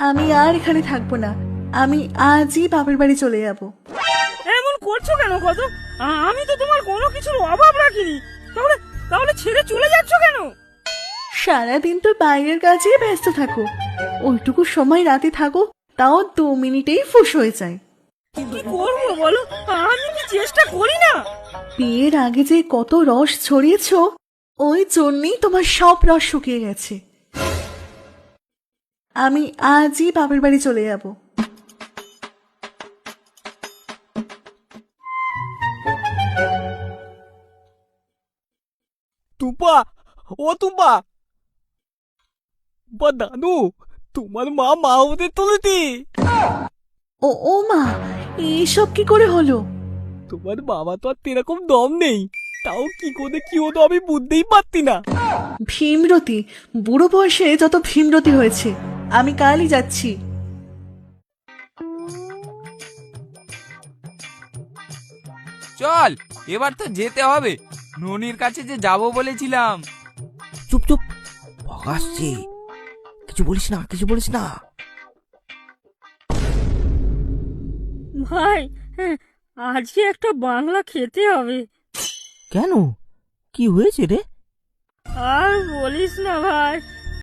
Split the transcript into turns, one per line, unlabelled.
আমি আর এখানে থাকবো না। আমি আজই বাপের বাড়ি চলে যাব।
এমন করছো কেন কত? আমি তো তোমার কোনো কিছুর অভাব রাখিনি। তাহলে তাহলে ছেড়ে চলে যাচ্ছ কেন?
সারাদিন তো বাইরের কাজেই ব্যস্ত থাকো, ওইটুকু সময় রাতে থাকো, তাও 2 মিনিটেই ফুস হয়ে যায়।
কি করবো বলো? আমি কি চেষ্টা করি না?
বিয়ের আগে যে কত রস ছড়িয়েছো, ওই জন্যই তোমার সব রস শুকিয়ে গেছে। আমি আজই বাপের বাড়ি চলে যাব।
টুপা, ও টুপা, বা দাদু, তোমার মা হতে চলেছে।
ও ও মা, এসব কি করে হলো?
তোমার বাবা তো আর এরকম দম নেই, তাও কি করে কি হতো আমি বুঝতেই পারতি না।
ভীমরতি, বুড়ো বয়সে যত ভীমরতি হয়েছে। আমি কালই যাচ্ছি।
চল, এবার তো যেতে হবে। ননির কাছে যে যাব বলেছিলাম।
চুপ চুপ, আসছে। কিছু বলিস না, কিছু বলিস না।
ভাই, আজকে একটা বাংলা খেতে হবে।
কেন, কি হয়েছে রে?
আর বলিস না ভাই,